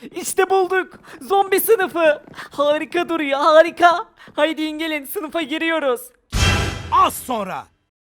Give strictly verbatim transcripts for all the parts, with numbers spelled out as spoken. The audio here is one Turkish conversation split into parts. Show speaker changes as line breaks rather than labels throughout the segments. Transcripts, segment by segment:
İşte bulduk. Zombi sınıfı. Harika duruyor, harika. Haydi gelin, sınıfa giriyoruz.
Az sonra.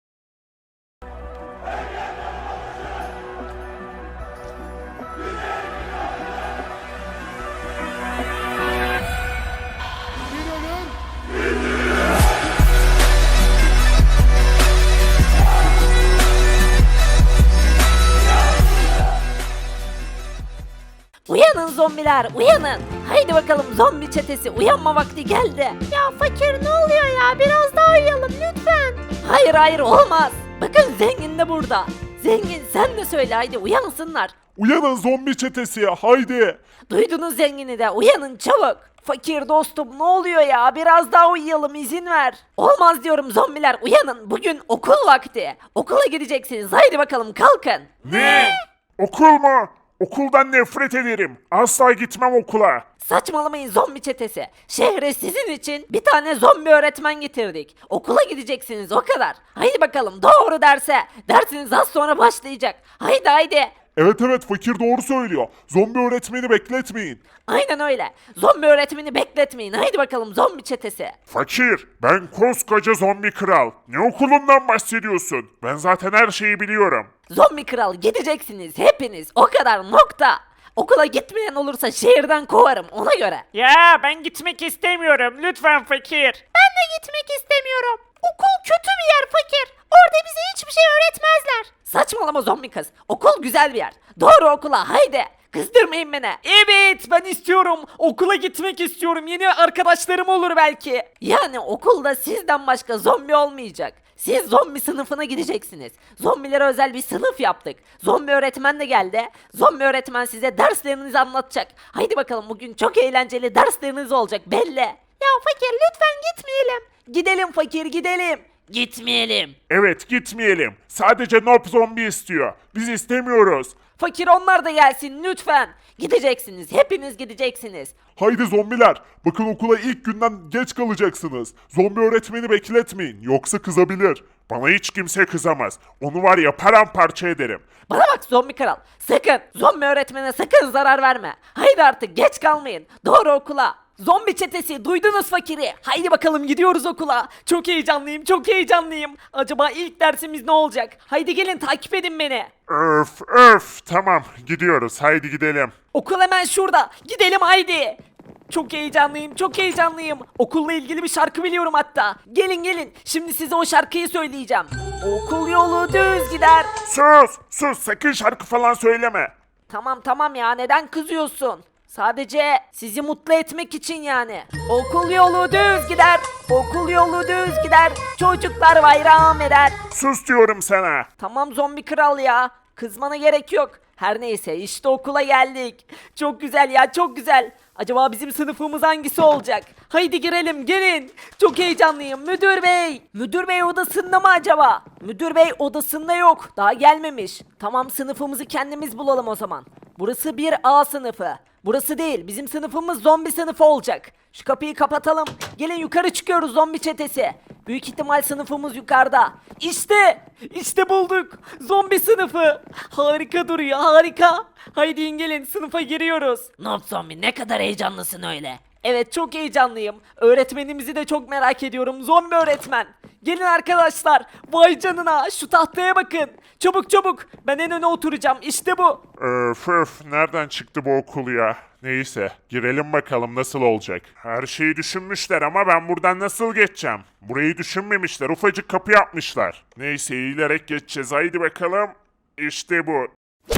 Uyanın zombiler, uyanın. Haydi bakalım, zombi çetesi uyanma vakti geldi. Ya fakir, ne oluyor ya? Biraz daha uyuyalım lütfen. Hayır hayır, olmaz. Bakın zengin de burada. Zengin, sen de söyle, haydi uyansınlar.
Uyanın zombi çetesi, haydi.
Duydunuz zengini de, uyanın çabuk. Fakir dostum, ne oluyor ya? Biraz daha uyuyalım, izin ver. Olmaz diyorum zombiler, uyanın. Bugün okul vakti. Okula gideceksiniz, haydi bakalım kalkın.
Ne? Okul mu? Okuldan nefret ederim. Asla gitmem okula.
Saçmalamayın zombi çetesi. Şehre sizin için bir tane zombi öğretmen getirdik. Okula gideceksiniz, o kadar. Haydi bakalım, doğru derse. Dersiniz az sonra başlayacak. Haydi haydi.
Evet evet, fakir doğru söylüyor. Zombi öğretmeni bekletmeyin.
Aynen öyle. Zombi öğretmeni bekletmeyin. Haydi bakalım zombi çetesi.
Fakir, ben koskoca zombi kral. Ne okulundan bahsediyorsun? Ben zaten her şeyi biliyorum.
Zombi kral, gideceksiniz hepiniz. O kadar, nokta. Okula gitmeyen olursa şehirden kovarım, ona göre.
Ya ben gitmek istemiyorum. Lütfen fakir.
Ben de gitmek istemiyorum. Okul kötü bir yer fakir. Orada bize hiçbir şey öğretmezler. Saçmalama zombi kız. Okul güzel bir yer. Doğru okula, haydi. Kızdırmayın beni.
Evet, ben istiyorum. Okula gitmek istiyorum. Yeni arkadaşlarım olur belki.
Yani okulda sizden başka zombi olmayacak. Siz zombi sınıfına gideceksiniz. Zombilere özel bir sınıf yaptık. Zombi öğretmen de geldi. Zombi öğretmen size derslerinizi anlatacak. Haydi bakalım, bugün çok eğlenceli dersleriniz olacak belli. Ya fakir, lütfen gitmeyelim. Gidelim fakir, gidelim. Gitmeyelim.
Evet, gitmeyelim. Sadece Nob zombi istiyor. Biz istemiyoruz.
Fakir, onlar da gelsin lütfen. Gideceksiniz, hepiniz gideceksiniz.
Haydi zombiler, bakın okula ilk günden geç kalacaksınız. Zombi öğretmeni bekletmeyin, yoksa kızabilir. Bana hiç kimse kızamaz. Onu var ya, paramparça ederim.
Bana bak zombi kral, sakın zombi öğretmene sakın zarar verme. Haydi artık, geç kalmayın. Doğru okula. Zombi çetesi, duydunuz fakiri. Haydi bakalım, gidiyoruz okula.
Çok heyecanlıyım, çok heyecanlıyım. Acaba ilk dersimiz ne olacak? Haydi gelin, takip edin beni.
Öf öf, tamam gidiyoruz, haydi gidelim.
Okul hemen şurada. Gidelim haydi. Çok heyecanlıyım, çok heyecanlıyım. Okulla ilgili bir şarkı biliyorum hatta. Gelin gelin, şimdi size o şarkıyı söyleyeceğim. Okul yolu düz gider.
Sus sus, sakın şarkı falan söyleme.
Tamam tamam ya, neden kızıyorsun? Sadece sizi mutlu etmek için yani. Okul yolu düz gider. Okul yolu düz gider. Çocuklar bayram eder.
Sus diyorum sana.
Tamam zombi kral ya. Kızmana gerek yok. Her neyse, işte okula geldik.
Çok güzel ya, çok güzel. Acaba bizim sınıfımız hangisi olacak? Haydi girelim, gelin. Çok heyecanlıyım müdür bey.
Müdür bey odasında mı acaba? Müdür bey odasında yok. Daha gelmemiş. Tamam, sınıfımızı kendimiz bulalım o zaman. Burası bir A sınıfı. Burası değil. Bizim sınıfımız zombi sınıfı olacak. Şu kapıyı kapatalım. Gelin, yukarı çıkıyoruz zombi çetesi. Büyük ihtimal sınıfımız yukarıda.
İşte, işte bulduk. Zombi sınıfı. Harika duruyor, harika. Haydi gelin, sınıfa giriyoruz.
Noob zombi, ne kadar heyecanlısın öyle.
Evet, çok heyecanlıyım. Öğretmenimizi de çok merak ediyorum. Zombi öğretmen. Gelin arkadaşlar. Vay canına, şu tahtaya bakın. Çabuk çabuk. Ben en öne oturacağım. İşte bu.
Öf öf, nereden çıktı bu okul ya? Neyse, girelim bakalım nasıl olacak. Her şeyi düşünmüşler ama ben buradan nasıl geçeceğim? Burayı düşünmemişler, ufacık kapı yapmışlar. Neyse, eğilerek geçeceğiz, haydi bakalım. İşte bu.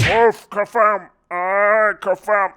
Of kafam, aa kafam.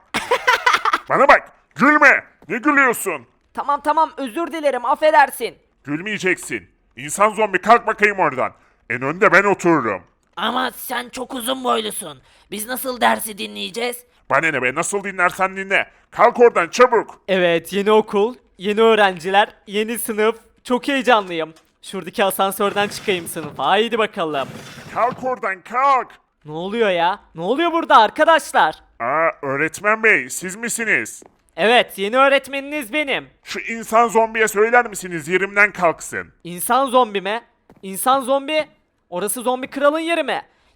Bana bak, gülme. Ne gülüyorsun?
Tamam tamam, özür dilerim, affedersin.
Gülmeyeceksin. İnsan zombi, kalk bakayım oradan. En önde ben otururum.
Ama sen çok uzun boylusun. Biz nasıl dersi dinleyeceğiz?
Bana ne be, nasıl dinlersen dinle. Kalk oradan çabuk.
Evet, yeni okul, yeni öğrenciler, yeni sınıf. Çok heyecanlıyım. Şuradaki asansörden çıkayım sınıfa. Haydi bakalım.
Kalk oradan, kalk.
Ne oluyor ya? Ne oluyor burada arkadaşlar?
Aa, öğretmen bey, siz misiniz?
Evet, yeni öğretmeniniz benim.
Şu insan zombiye söyler misiniz yerimden kalksın?
İnsan zombi mi? İnsan zombi? Orası zombi kralın yeri mi?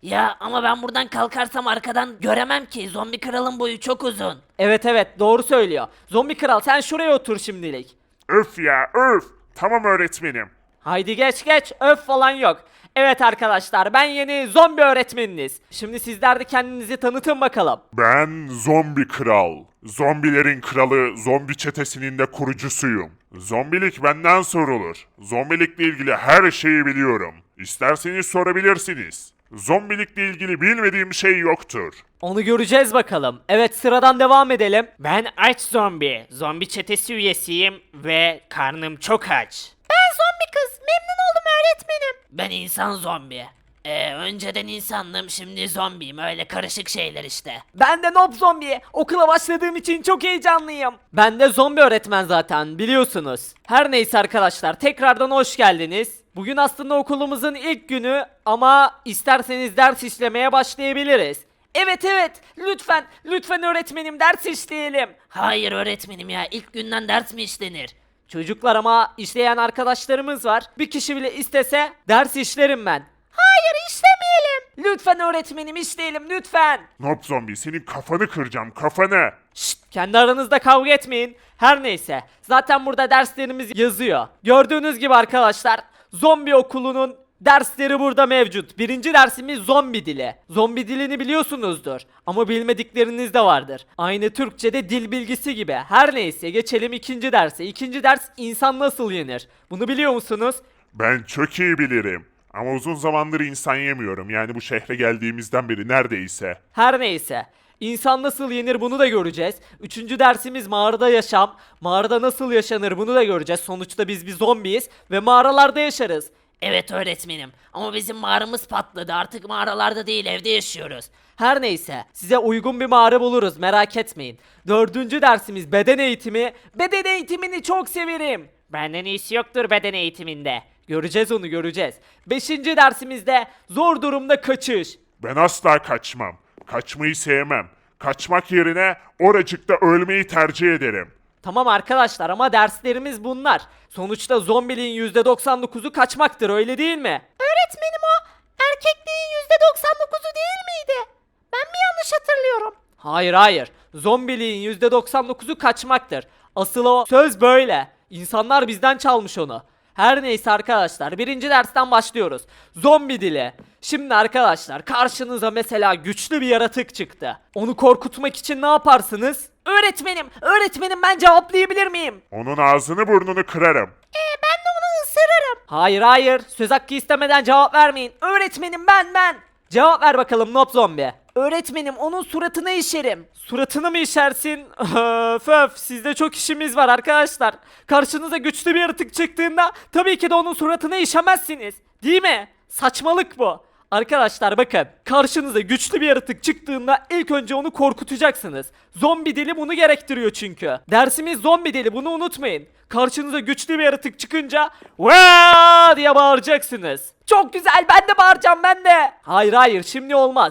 Ya ama ben buradan kalkarsam arkadan göremem ki. Zombi kralın boyu çok uzun.
Evet evet doğru söylüyor. Zombi kral sen şuraya otur şimdilik.
Öf ya öf. Tamam öğretmenim.
Haydi geç geç öf falan yok. Evet arkadaşlar ben yeni zombi öğretmeniniz. Şimdi sizler de kendinizi tanıtın bakalım.
Ben zombi kral. Zombilerin kralı, zombi çetesinin de kurucusuyum. Zombilik benden sorulur. Zombilikle ilgili her şeyi biliyorum. İsterseniz sorabilirsiniz. Zombilikle ilgili bilmediğim şey yoktur.
Onu göreceğiz bakalım. Evet sıradan devam edelim. Ben aç zombi. Zombi çetesi üyesiyim ve karnım çok aç.
Ben zombi kız. Memnun oldum öğretmenim. Ben insan zombi. Ee, önceden insandım, şimdi zombiyim. Öyle karışık şeyler işte.
Ben de Nob Zombi. Okula başladığım için çok heyecanlıyım. Ben de zombi öğretmen zaten biliyorsunuz. Her neyse arkadaşlar tekrardan hoş geldiniz. Bugün aslında okulumuzun ilk günü ama isterseniz ders işlemeye başlayabiliriz. Evet evet lütfen lütfen öğretmenim ders işleyelim.
Hayır öğretmenim ya, ilk günden ders mi işlenir?
Çocuklar ama işleyen arkadaşlarımız var. Bir kişi bile istese ders işlerim ben.
Hayır işlemeyelim.
Lütfen öğretmenim işleyelim lütfen.
Nob zombi senin kafanı kıracağım kafanı.
Şşt, kendi aranızda kavga etmeyin. Her neyse zaten burada derslerimiz yazıyor. Gördüğünüz gibi arkadaşlar zombi okulunun dersleri burada mevcut. Birinci dersimiz zombi dili. Zombi dilini biliyorsunuzdur ama bilmedikleriniz de vardır. Aynı Türkçe'de dil bilgisi gibi. Her neyse geçelim ikinci derse. İkinci ders insan nasıl yenir? Bunu biliyor musunuz?
Ben çok iyi bilirim. Ama uzun zamandır insan yemiyorum. Yani bu şehre geldiğimizden beri neredeyse.
Her neyse. İnsan nasıl yenir bunu da göreceğiz. Üçüncü dersimiz mağarada yaşam. Mağarada nasıl yaşanır bunu da göreceğiz. Sonuçta biz bir zombiyiz ve mağaralarda yaşarız.
Evet öğretmenim ama bizim mağaramız patladı, artık mağaralarda değil evde yaşıyoruz.
Her neyse size uygun bir mağara buluruz merak etmeyin. Dördüncü dersimiz beden eğitimi. Beden eğitimini çok severim. Benden iyisi yoktur beden eğitiminde. Göreceğiz onu göreceğiz. Beşinci dersimizde zor durumda kaçış.
Ben asla kaçmam. Kaçmayı sevmem. Kaçmak yerine oracıkta ölmeyi tercih ederim.
Tamam arkadaşlar ama derslerimiz bunlar. Sonuçta zombiliğin yüzde doksan dokuzu kaçmaktır öyle değil mi?
Öğretmenim o erkekliğin yüzde doksan dokuzu değil miydi? Ben mi yanlış hatırlıyorum?
Hayır hayır. Zombiliğin yüzde doksan dokuzu kaçmaktır. Asıl o söz böyle. İnsanlar bizden çalmış onu. Her neyse arkadaşlar birinci dersten başlıyoruz. Zombi dili. Şimdi arkadaşlar karşınıza mesela güçlü bir yaratık çıktı. Onu korkutmak için ne yaparsınız? Öğretmenim, öğretmenim ben cevaplayabilir miyim?
Onun ağzını burnunu kırarım.
Ee, ben de onu ısırırım.
Hayır hayır söz hakkı istemeden cevap vermeyin. Öğretmenim ben ben. Cevap ver bakalım Nob Zombi. Öğretmenim onun suratına işerim. Suratını mı işersin? Öf öf sizde çok işimiz var arkadaşlar. Karşınıza güçlü bir yaratık çıktığında tabii ki de onun suratına işemezsiniz. Değil mi? Saçmalık bu. Arkadaşlar bakın karşınıza güçlü bir yaratık çıktığında ilk önce onu korkutacaksınız. Zombi dili bunu gerektiriyor çünkü. Dersimiz zombi dili bunu unutmayın. Karşınıza güçlü bir yaratık çıkınca Vaa diye bağıracaksınız. Çok güzel ben de bağıracağım ben de. Hayır hayır şimdi olmaz.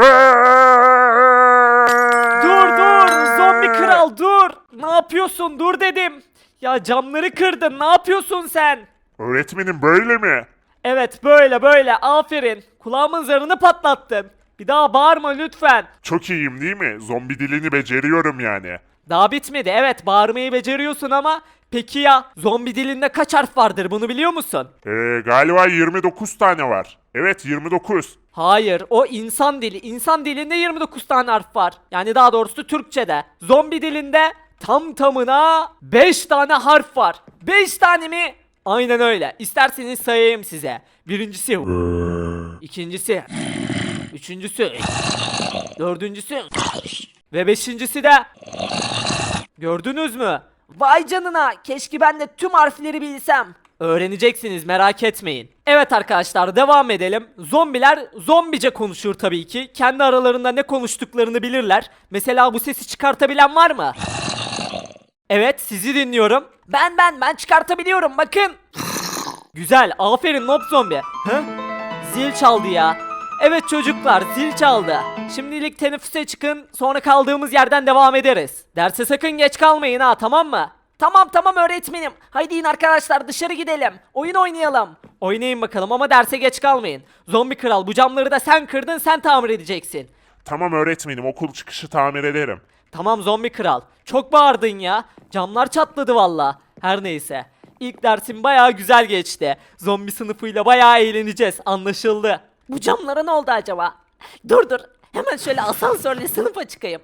Dur dur zombi kral dur. Ne yapıyorsun dur dedim. Ya camları kırdın ne yapıyorsun sen?
Öğretmenim böyle mi?
Evet böyle böyle aferin. Kulağımın zarını patlattın. Bir daha bağırma lütfen.
Çok iyiyim değil mi? Zombi dilini beceriyorum yani.
Daha bitmedi evet bağırmayı beceriyorsun ama peki ya zombi dilinde kaç harf vardır bunu biliyor musun?
Ee, galiba yirmi dokuz tane var. Evet yirmi dokuz.
Hayır o insan dili. İnsan dilinde yirmi dokuz tane harf var. Yani daha doğrusu Türkçe'de. Zombi dilinde tam tamına beş tane harf var. beş tane mi? Aynen öyle. İsterseniz sayayım size. Birincisi ikincisi üçüncüsü dördüncüsü ve beşincisi de gördünüz mü? Vay canına keşke ben de tüm harfleri bilsem. Öğreneceksiniz merak etmeyin. Evet arkadaşlar devam edelim. Zombiler zombice konuşur tabii ki. Kendi aralarında ne konuştuklarını bilirler. Mesela bu sesi çıkartabilen var mı? Evet sizi dinliyorum. Ben ben ben çıkartabiliyorum bakın. Güzel aferin Nob Zombi. Hı? Zil çaldı ya. Evet çocuklar zil çaldı. Şimdilik teneffüse çıkın sonra kaldığımız yerden devam ederiz. Derse sakın geç kalmayın ha tamam mı? Tamam tamam öğretmenim. Haydi in arkadaşlar dışarı gidelim. Oyun oynayalım. Oynayın bakalım ama derse geç kalmayın. Zombi kral bu camları da sen kırdın sen tamir edeceksin.
Tamam öğretmenim, okul çıkışı tamir ederim.
Tamam zombi kral. Çok bağırdın ya. Camlar çatladı valla. Her neyse. İlk dersim bayağı güzel geçti. Zombi sınıfıyla bayağı eğleneceğiz. Anlaşıldı. Bu camlara ne oldu acaba? Dur dur. Hemen şöyle asansörle sınıfa çıkayım.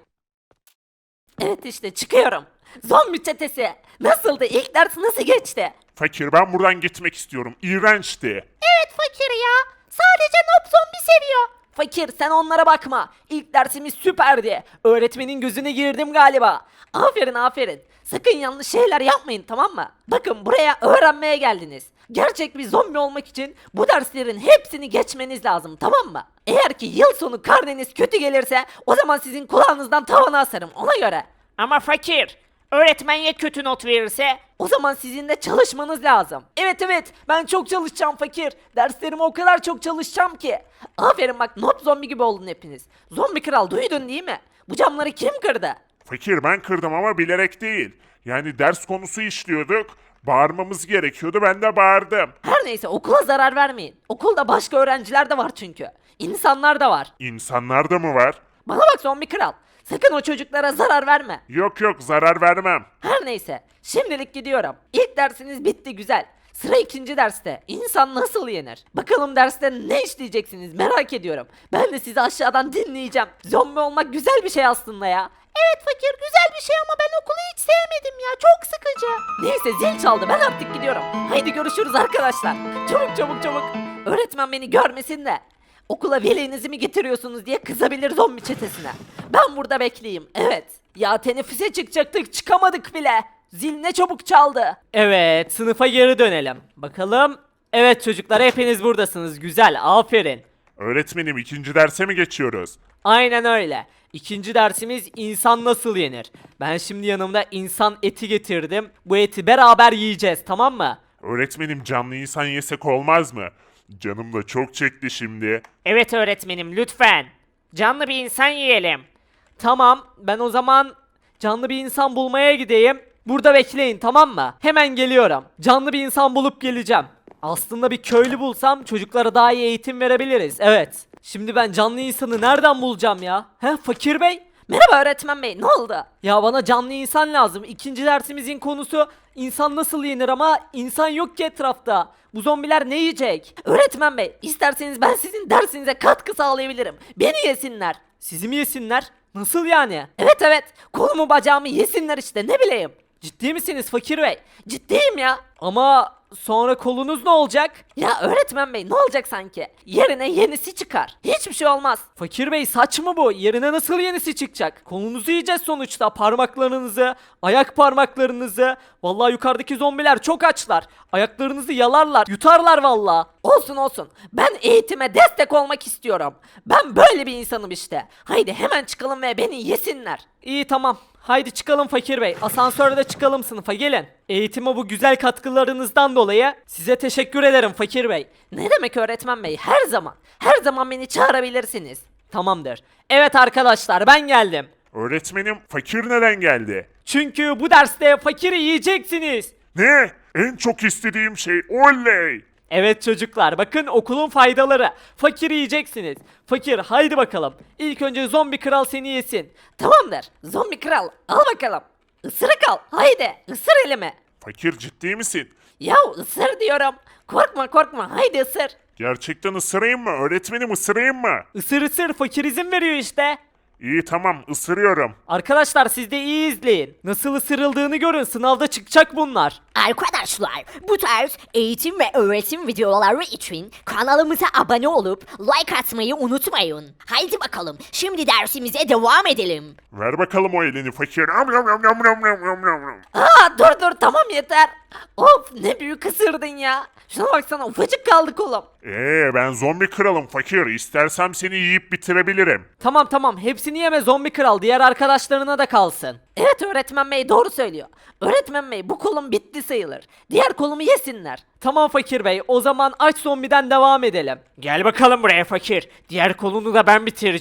Evet işte çıkıyorum. Zombi çetesi. Nasıldı? İlk ders nasıl geçti?
Fakir, ben buradan gitmek istiyorum. İğrençti.
Evet fakir ya. Sadece Nob zombi seviyor. Fakir sen onlara bakma. İlk dersimiz süperdi. Öğretmenin gözüne girdim galiba. Aferin aferin. Sakın yanlış şeyler yapmayın tamam mı? Bakın buraya öğrenmeye geldiniz. Gerçek bir zombi olmak için bu derslerin hepsini geçmeniz lazım tamam mı? Eğer ki yıl sonu karneniz kötü gelirse o zaman sizin kulağınızdan tavana asarım ona göre.
Ama fakir. Öğretmen ya kötü not verirse?
O zaman sizin de çalışmanız lazım.
Evet evet ben çok çalışacağım fakir. Derslerime o kadar çok çalışacağım ki.
Aferin bak not zombi gibi oldun hepiniz. Zombi kral duydun değil mi? Bu camları kim kırdı?
Fakir, ben kırdım ama bilerek değil. Yani ders konusu işliyorduk. Bağırmamız gerekiyordu, ben de bağırdım.
Her neyse okula zarar vermeyin. Okulda başka öğrenciler de var çünkü. İnsanlar da var.
İnsanlar da mı var?
Bana bak zombi kral. Sakın o çocuklara zarar verme.
Yok yok, zarar vermem.
Her neyse şimdilik gidiyorum. İlk dersiniz bitti güzel. Sıra ikinci derste. İnsan nasıl yenir? Bakalım derste ne işleyeceksiniz merak ediyorum. Ben de sizi aşağıdan dinleyeceğim. Zombi olmak güzel bir şey aslında ya. Evet fakir güzel bir şey ama ben okulu hiç sevmedim ya. Çok sıkıcı. Neyse zil çaldı ben artık gidiyorum. Haydi görüşürüz arkadaşlar. Çabuk çabuk çabuk. Öğretmen beni görmesin de. Okula velinizi mi getiriyorsunuz diye kızabilir zombi çetesine. Ben burada bekleyeyim. Evet. Ya teneffüse çıkacaktık çıkamadık bile. Zil ne çabuk çaldı.
Evet sınıfa geri dönelim. Bakalım. Evet çocuklar hepiniz buradasınız. Güzel aferin.
Öğretmenim, ikinci derse mi geçiyoruz?
Aynen öyle. İkinci dersimiz insan nasıl yenir? Ben şimdi yanımda insan eti getirdim. Bu eti beraber yiyeceğiz tamam mı?
Öğretmenim, canlı insan yesek olmaz mı? Canım da çok çekti şimdi.
Evet öğretmenim lütfen. Canlı bir insan yiyelim. Tamam ben o zaman canlı bir insan bulmaya gideyim. Burada bekleyin tamam mı? Hemen geliyorum. Canlı bir insan bulup geleceğim. Aslında bir köylü bulsam çocuklara daha iyi eğitim verebiliriz. Evet. Şimdi ben canlı insanı nereden bulacağım ya? He fakir bey?
Merhaba öğretmen bey ne oldu?
Ya bana canlı insan lazım. İkinci dersimizin konusu insan nasıl yenir ama insan yok ki etrafta. Bu zombiler ne yiyecek?
Öğretmen bey isterseniz ben sizin dersinize katkı sağlayabilirim. Beni yesinler.
Sizi mi yesinler? Nasıl yani?
Evet evet kolumu bacağımı yesinler işte ne bileyim.
Ciddi misiniz fakir bey?
Ciddiyim ya.
Ama sonra kolunuz ne olacak?
Ya öğretmen bey ne olacak sanki? Yerine yenisi çıkar. Hiçbir şey olmaz.
Fakir bey saç mı bu? Yerine nasıl yenisi çıkacak? Kolunuzu yiyeceğiz sonuçta. Parmaklarınızı, ayak parmaklarınızı. Vallahi yukarıdaki zombiler çok açlar. Ayaklarınızı yalarlar, yutarlar vallahi.
Olsun olsun. Ben eğitime destek olmak istiyorum. Ben böyle bir insanım işte. Haydi hemen çıkalım ve beni yesinler.
İyi tamam. Haydi çıkalım fakir bey. Asansörde çıkalım sınıfa gelin. Eğitime bu güzel katkılarınızdan dolayı size teşekkür ederim fakir bey.
Ne demek öğretmen bey? Her zaman. Her zaman beni çağırabilirsiniz.
Tamamdır. Evet arkadaşlar ben geldim.
Öğretmenim, fakir neden geldi?
Çünkü bu derste fakiri yiyeceksiniz.
Ne? En çok istediğim şey, oley!
Evet çocuklar bakın okulun faydaları. Fakir yiyeceksiniz. Fakir haydi bakalım. İlk önce zombi kral seni yesin.
Tamamdır. Zombi kral al bakalım. Isırık al. Haydi ısır elimi.
Fakir, ciddi misin?
Ya ısır diyorum. Korkma korkma. Haydi ısır.
Gerçekten ısırayım mı? Öğretmenim, ısırayım mı?
Isır ısır fakir izin veriyor işte.
İyi tamam, ısırıyorum.
Arkadaşlar siz de iyi izleyin. Nasıl ısırıldığını görün sınavda çıkacak bunlar.
Arkadaşlar bu tarz eğitim ve öğretim videoları için kanalımıza abone olup like atmayı unutmayın. Haydi bakalım şimdi dersimize devam edelim.
Ver bakalım o elini fakir. Am, yam, yam, yam, yam, yam, yam, yam.
Aa dur dur tamam yeter. Of ne büyük ısırdın ya. Şuna baksana ufacık kaldı kolum.
Ee, ben zombi kralım fakir. İstersem seni yiyip bitirebilirim.
Tamam tamam hepsini yeme zombi kral diğer arkadaşlarına da kalsın.
Evet öğretmen bey doğru söylüyor. Öğretmen bey bu kolum bitti sayılır. Diğer kolumu yesinler.
Tamam fakir bey o zaman aç zombiden devam edelim. Gel bakalım buraya fakir. Diğer kolunu da ben bitireceğim.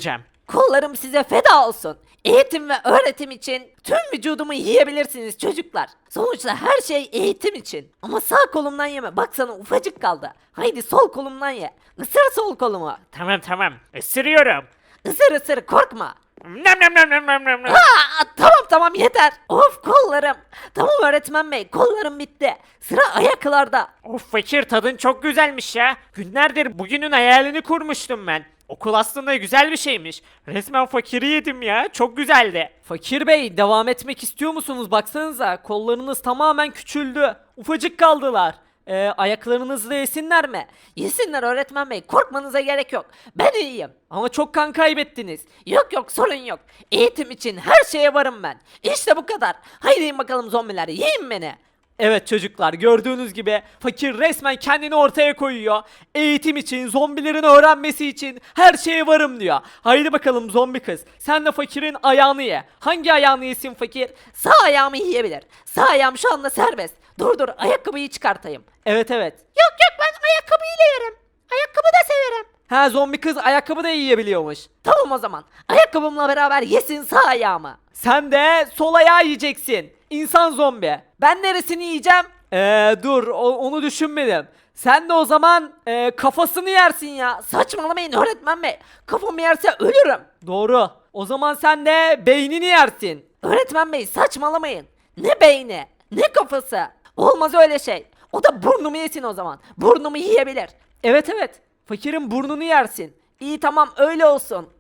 Kollarım size feda olsun. Eğitim ve öğretim için tüm vücudumu yiyebilirsiniz çocuklar. Sonuçta her şey eğitim için. Ama sağ kolumdan yeme. Baksana ufacık kaldı. Haydi sol kolumdan ye. Isır sol kolumu.
Tamam tamam. Isırıyorum.
Isır ısır korkma.
Nem nem nem nem nem nem. nem.
Aa, tamam tamam yeter. Of kollarım. Tamam öğretmen bey kollarım bitti. Sıra ayaklarda.
Of fakir, tadın çok güzelmiş ya. Günlerdir bugünün hayalini kurmuştum ben. Okul aslında güzel bir şeymiş. Resmen fakiri yedim ya. Çok güzeldi.
Fakir Bey devam etmek istiyor musunuz? Baksanıza kollarınız tamamen küçüldü. Ufacık kaldılar. Ee, ayaklarınızı da yesinler mi?
Yesinler öğretmen bey korkmanıza gerek yok. Ben iyiyim.
Ama çok kan kaybettiniz.
Yok yok sorun yok. Eğitim için her şeye varım ben. İşte bu kadar. Haydi yiyin bakalım zombiler yiyin beni.
Evet çocuklar gördüğünüz gibi fakir resmen kendini ortaya koyuyor. Eğitim için, zombilerin öğrenmesi için her şeye varım diyor. Haydi bakalım zombi kız. Sen de fakirin ayağını ye. Hangi ayağını yesin fakir?
Sağ ayağımı yiyebilir. Sağ ayağım şu anda serbest. Dur dur ayakkabıyı çıkartayım.
Evet evet.
Yok yok ben ayakkabıyla yerim. Ayakkabı da severim.
Ha zombi kız ayakkabı da yiyebiliyormuş.
Tamam o zaman. Ayakkabımla beraber yesin sağ ayağımı.
Sen de sol ayağı yiyeceksin. İnsan zombi. Ben neresini yiyeceğim? Eee dur o- onu düşünmedim. Sen de o zaman eee, kafasını yersin ya.
Saçmalamayın öğretmen bey. Kafamı yerse ölürüm.
Doğru. O zaman sen de beynini yersin.
Öğretmen bey saçmalamayın. Ne beyni ne kafası. Olmaz öyle şey. O da burnumu yesin o zaman. Burnumu yiyebilir.
Evet evet. Fakirin burnunu yersin.
İyi tamam öyle olsun.